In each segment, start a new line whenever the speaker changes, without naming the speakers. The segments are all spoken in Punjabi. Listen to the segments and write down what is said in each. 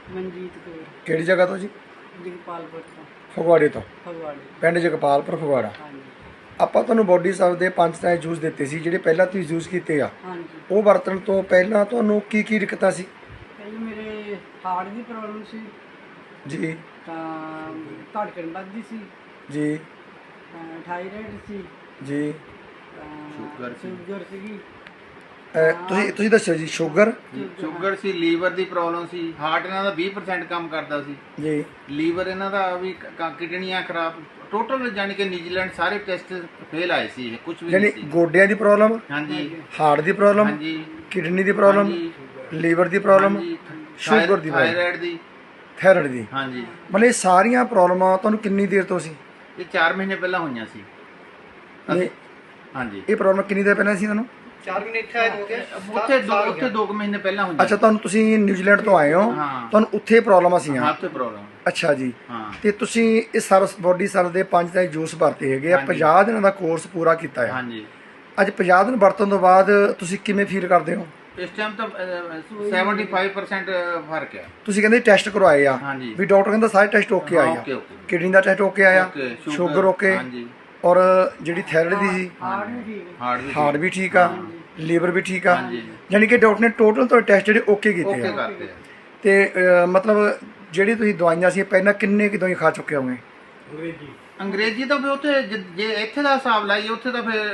ਮਨਜੀਤ ਕੌਰ
ਕਿਹੜੀ ਜਗ੍ਹਾ ਤੋਂ ਜੀ?
ਜਗਪਾਲਪੁਰ ਤੋਂ।
ਫਗਵਾੜੇ ਤੋਂ।
ਫਗਵਾੜੇ।
ਪਿੰਡ ਜਗਪਾਲਪੁਰ ਫਗਵਾੜਾ।
ਹਾਂਜੀ
ਆਪਾਂ ਤੁਹਾਨੂੰ ਬੋਡੀ ਸਾਹਿਬ ਦੇ 5 ਤਰ੍ਹਾਂ ਦੇ ਜੂਸ ਦਿੱਤੇ ਸੀ ਜਿਹੜੇ ਪਹਿਲਾਂ ਤੁਸੀਂ ਯੂਜ਼ ਕੀਤੇ ਆ।
ਹਾਂਜੀ।
ਉਹ ਵਰਤਣ ਤੋਂ ਪਹਿਲਾਂ ਤੁਹਾਨੂੰ ਕੀ ਕੀ ਦਿੱਕਤਾਂ ਸੀ?
ਪਹਿਲਾਂ ਮੇਰੇ ਹਾਰਟ ਦੀ ਪ੍ਰੋਬਲਮ ਸੀ
ਜੀ
ਤਾਂ ਧੜਕਣ ਵੱਧਦੀ ਸੀ,
ਜੀ
ਥਾਇਰਾਇਡ ਸੀ,
ਜੀ।
ਸ਼ੂਗਰ ਸੀਗੀ।
ਤੁਸੀਂ ਦੱਸੋ ਜੀ। ਸ਼ੂਗਰ
ਸ਼ੂਗਰ ਸੀ, ਲੀਵਰ ਦੀ ਪ੍ਰੋਬਲਮ ਸੀ, ਹਾਰਟ ਇਹਨਾਂ ਦਾ 20% ਕੰਮ ਕਰਦਾ ਸੀ
ਜੀ,
ਲੀਵਰ ਇਹਨਾਂ ਦਾ ਵੀ ਕਿਡਨੀਆਂ ਖਰਾਬ, ਟੋਟਲ ਜਾਨੀ ਕਿ ਨਿਊਜ਼ੀਲੈਂਡ ਸਾਰੇ ਟੈਸਟ ਫੇਲ ਆਏ ਸੀ, ਕੁਝ ਵੀ
ਯਾਨੀ
ਨਹੀਂ ਸੀ।
ਗੋਡਿਆਂ ਦੀ ਪ੍ਰੋਬਲਮ,
ਹਾਂਜੀ
ਹਾਰਟ ਦੀ ਪ੍ਰੋਬਲਮ,
ਹਾਂਜੀ
ਕਿਡਨੀ ਦੀ ਪ੍ਰੋਬਲਮ,
ਹਾਂਜੀ,
ਲੀਵਰ ਦੀ ਪ੍ਰੋਬਲਮ,
ਹਾਂਜੀ,
ਸ਼ੂਗਰ ਦੀ ਪ੍ਰੋਬਲਮ,
ਥਾਇਰਾਇਡ ਦੀ,
ਥਾਇਰਾਇਡ ਦੀ।
ਹਾਂਜੀ।
ਮਤਲਬ ਇਹ ਸਾਰੀਆਂ ਪ੍ਰੋਬਲਮਾਂ ਤੁਹਾਨੂੰ ਕਿੰਨੀ ਦੇਰ ਤੋਂ ਸੀ?
ਇਹ 4 ਮਹੀਨੇ ਪਹਿਲਾਂ ਹੋਈਆਂ ਸੀ।
ਨਹੀਂ,
ਹਾਂਜੀ
ਇਹ ਪ੍ਰੋਬਲਮ ਕਿੰਨੀ ਦੇਰ ਪਹਿਲਾਂ ਸੀ ਤੁਹਾਨੂੰ?
4 ਮਹੀਨੇ ਇੱਥੇ ਆਏ ਹੋ ਗਏ।
ਉੱਥੇ 2 ਮਹੀਨੇ ਪਹਿਲਾਂ ਹੋਈਆਂ।
ਅੱਛਾ, ਤੁਹਾਨੂੰ ਤੁਸੀਂ ਨਿਊਜ਼ੀਲੈਂਡ ਤੋਂ ਆਏ ਹੋ,
ਹਾਂ।
ਤੁਹਾਨੂੰ ਉੱਥੇ ਪ੍ਰੋਬਲਮਾਂ ਸੀਆਂ?
ਹਾਂ, ਉੱਥੇ ਪ੍ਰੋਬਲਮ।
ਅੱਛਾ ਜੀ।
ਹਾਂ।
ਤੇ ਤੁਸੀਂ ਇਸ ਸਰਵਿਸ ਬੋਡੀ ਸਰਵਿਸ ਦੇ 5 ਤਰ੍ਹਾਂ ਦੇ ਜੂਸ ਵਰਤੇ ਹੈਗੇ ਆ,
ਹਾਂਜੀ।
50 ਦਿਨਾਂ ਦਾ ਕੋਰਸ ਪੂਰਾ ਕੀਤਾ ਹੈ।
ਹਾਂਜੀ।
ਅੱਜ 50 ਦਿਨ ਵਰਤਣ ਤੋਂ ਬਾਅਦ ਤੁਸੀਂ ਕਿਵੇਂ ਫੀਲ ਕਰਦੇ ਹੋ?
ਇਸ ਟਾਈਮ ਤਾਂ 75% ਫਰਕ ਹੈ।
ਤੁਸੀਂ ਕਹਿੰਦੇ ਟੈਸਟ ਕਰਵਾਏ ਆ
ਹਾਂਜੀ।
ਵੀ ਡਾਕਟਰ ਕਹਿੰਦਾ ਸਾਰੇ ਟੈਸਟ ਓਕੇ ਆਏ ਆ,
ਓਕੇ ਓਕੇ
ਕਿਡਨੀ ਦਾ ਟੈਸਟ ਓਕੇ ਆਇਆ,
ਓਕੇ,
ਸ਼ੂਗਰ ਓਕੇ,
ਹਾਂਜੀ,
ਔਰ ਜਿਹੜੀ ਥਾਇਰਾਇਡ ਦੀ ਸੀ,
ਹਾਰਟ ਵੀ ਠੀਕ ਹੈ।
ਹਾਰਟ
ਹਾਰਟ ਵੀ ਠੀਕ ਆ, ਲੀਵਰ ਵੀ ਠੀਕ ਆ।
ਹਾਂਜੀ।
ਯਾਨੀ ਕਿ ਡਾਕਟਰ ਨੇ ਟੋਟਲ ਤੁਹਾਡੇ ਟੈਸਟ ਜਿਹੜੇ ਓਕੇ ਕੀਤੇ
ਓਕੇ
ਆ।
ਕਰਤੇ ਆ।
ਤੇ ਮਤਲਬ ਜਿਹੜੀ ਤੁਸੀਂ ਦਵਾਈਆਂ ਸੀ ਪਹਿਲਾਂ ਕਿੰਨੇ ਕਿ ਦਵਾਈ ਖਾ ਚੁੱਕੇ ਹੋਗੇ?
ਅੰਗਰੇਜ਼ੀ ਤਾਂ ਫਿਰ ਉੱਥੇ ਜੇ ਇੱਥੇ ਦਾ ਹਿਸਾਬ ਲਾਈਏ ਉੱਥੇ ਤਾਂ ਫਿਰ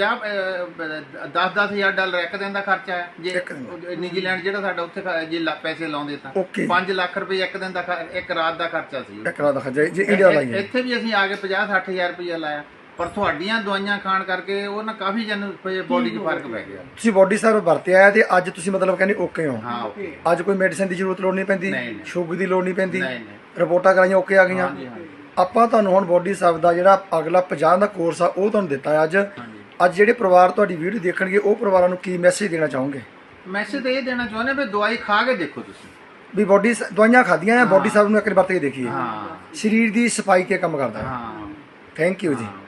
10-10 ਹਜ਼ਾਰ ਡਾਲਰ ਇੱਕ ਦਿਨ ਦਾ ਖਰਚਾ ਹੈ। ਜੇ
ਇੱਕ ਦਿਨ।
ਨਿਊਜ਼ੀਲੈਂਡ ਜਿਹੜਾ ਸਾਡਾ ਉੱਥੇ ਜੇ ਪੈਸੇ ਲਾਉਂਦੇ ਤਾਂ
Okay।
5 ਲੱਖ ਰੁਪਏ ਇੱਕ ਦਿਨ ਦਾ ਇੱਕ ਰਾਤ ਦਾ ਖਰਚਾ ਸੀ।
ਇੱਕ ਰਾਤ ਦਾ ਖਰਚਾ ਜੇ ਇੰਡੀਆ ਲਾਈਏ।
ਇੱਥੇ ਵੀ ਅਸੀਂ ਆ ਕੇ 50-60 ਹਜ਼ਾਰ ਰੁਪਇਆ ਲਾਇਆ, ਪਰ ਤੁਹਾਡੀਆਂ ਦਵਾਈਆਂ ਖਾਣ ਕਰਕੇ ਉਹ ਨਾ ਕਾਫੀ ਜਨ ਬੋਡੀ 'ਚ ਫਰਕ ਪੈ ਗਿਆ।
ਤੁਸੀਂ ਬੋਡੀ ਸਰਵ ਵਰਤਿਆ ਤੇ ਅੱਜ ਤੁਸੀਂ ਮਤਲਬ ਕਹਿੰਦੇ ਓਕੇ ਹੋ?
ਹਾਂ ਓਕੇ।
ਅੱਜ ਕੋਈ ਮੈਡੀਸਿਨ ਦੀ ਜ਼ਰੂਰਤ ਲੋੜ ਨਹੀਂ ਪੈਂਦੀ,
ਨਹੀਂ।
ਸ਼ੂਗਰ ਦੀ ਲੋੜ ਨਹੀਂ ਪੈਂਦੀ,
ਨਹੀਂ ਨਹੀਂ।
ਰਿਪੋਰਟਾਂ ਕਰਾਈਆਂ ਓਕੇ ਆ ਗਈਆਂ।
ਹਾਂਜੀ ਹਾਂਜੀ
ਆਪਾਂ ਤੁਹਾਨੂੰ ਹੁਣ ਬੋਡੀ ਸਰਵ ਦਾ ਜਿਹੜਾ ਅਗਲਾ 50 ਦਾ ਕੋਰਸ ਆ ਉਹ ਤੁਹਾਨੂੰ ਦਿੱਤਾ ਅੱਜ।
ਹਾਂਜੀ।
ਅੱਜ ਜਿਹੜੇ ਪਰਿਵਾਰ ਤੁਹਾਡੀ ਵੀਡੀਓ ਦੇਖਣਗੇ ਉਹ ਪਰਿਵਾਰਾਂ ਨੂੰ ਕੀ ਮੈਸੇਜ ਦੇਣਾ ਚਾਹੋਗੇ?
ਮੈਸੇਜ ਤਾਂ ਇਹ ਦੇਣਾ ਚਾਹੁੰਦੇ ਵੀ ਦਵਾਈ ਖਾ ਕੇ ਦੇਖੋ ਤੁਸੀਂ।
ਵੀ ਬੋਡੀ ਦਵਾਈਆਂ ਖਾਧੀਆਂ ਆ, ਬੋਡੀ ਸਰਵ ਨੂੰ ਇੱਕ ਵਾਰ ਵਰਤ ਕੇ ਦੇਖੀਏ।
ਹਾਂ
ਸਰੀਰ ਦੀ ਸਫਾਈ ਤੇ ਕੰਮ ਕਰਦਾ ਹੈ।
ਹਾਂ।
ਥੈਂਕ ਯੂ ਜੀ।
ਹਾਂ।